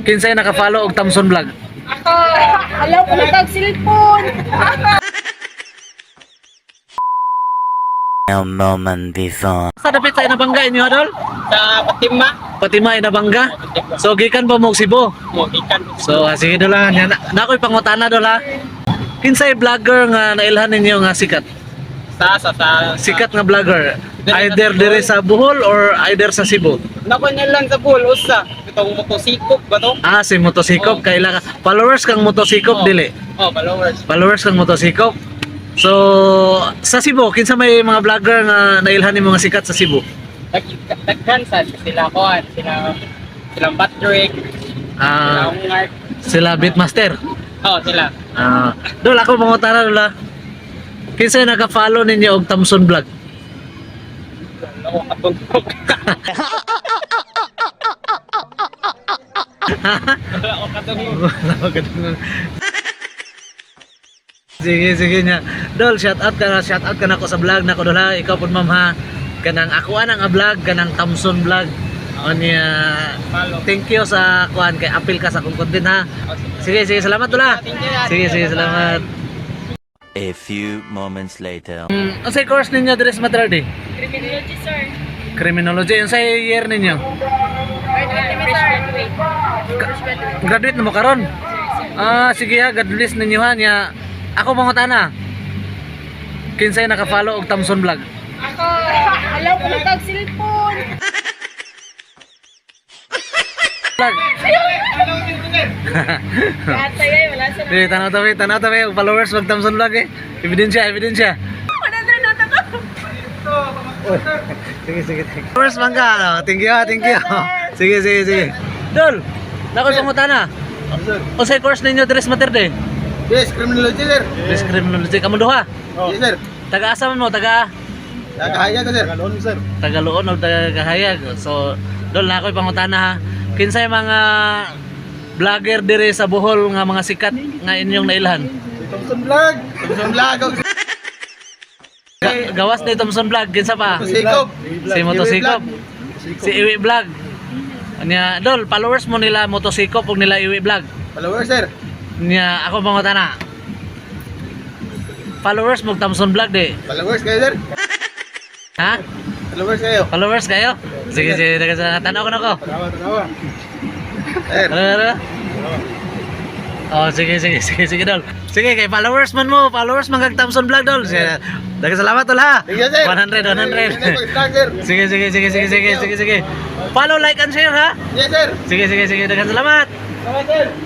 Kinsay naka-follow og Thompson Vlog? Ako, alaw ko na cellphone. A moment before. Sa dapit sa inabangga inyo adol? Sa Patima. Patima inabangga. So gikan pa mo og Cebu. Mo ikan. So sige dol ha. Na ako'y pangutana dol ha. Kinsay vlogger nga nailhan ninyo nga sikat? Sa Sikat nga vlogger. Either dire sa Bohol or either sa Cebu. Nako niya lang sa pool usa. Itong motosikop ba to? Ah, si Motosikop. Kaila ka. Followers kang Motosikop dili. Oh, followers. Followers kang Motosikop. So sa Cebu, kinsa may mga vlogger nga nailhan ni mga sikat sa Cebu? Daghan sa sila kuan, silang Patrick, sila Ah, Ungart. sila Beatmaster. Oh, sila. Ah, dol ako mangutana dol ha. Kinsa naka-follow ninyo og Thompson Vlog? Ako katugtog. Ako katugtog. Sige nya. Dol, shout out ka na ko sa vlog na ko dol ha. Ikaw pud ma'am ha. Kanang ako ang vlog, kanang Thompson Vlog. Onya, Follow. thank you sa kuan kay apil ka sa akong content ha. Sige, salamat dol ha. Sige, salamat. A few moments later. Unsay course ninyo diri sa Matrade? Criminology, sir. Criminology. Unsay year ninyo? Graduate. Graduate na mo karon? Ah, sige ha, God bless ninyo ha nya. Ako mangutana. Kinsay naka-follow og Thompson Vlog? Ako, alaw ko na cellphone. Vlog. Kata yay, wala sa Di tanaw tawi og followers wag Thompson Vlog eh. Ebidensya. 100 na to. Sige. Followers mangga. Thank you. Sige. Dol, nakoy pangutana. Unsay course ninyo diri sa Materde? Yes, criminology sir. Yes, criminology kamo duha. Yes sir. Taga-asa man mo, taga Nagahaya ka sir. Galon sir. Tagaluon o Tagahayag. So, dol na ako'y pangutana ha. Kinsay mga vlogger dire sa Bohol nga mga sikat nga inyong nailhan? Thompson Vlog. Thompson Vlog. Gawas ni Thompson Vlog, kinsa pa? Motosikop. Si Motosikop. Si Iwi Vlog. Nya dol, followers mo nila Motosikop ug nila Iwi Vlog. Followers sir. Nya ako pangutana. Followers mo Thompson Vlog di. Followers kayo sir. Ha? Followers kayo. Followers kayo? Sige, tanaw ko na ko. Tanawa. Sir. Ano? Oh, sige dol. Sige kay followers man mo, followers man kag Thompson Vlog dol. Daghang salamat dol ha. Sige, sir. 100. Sige. Follow, like and share ha. Yes sir. Sige, daghang salamat. Salamat sir.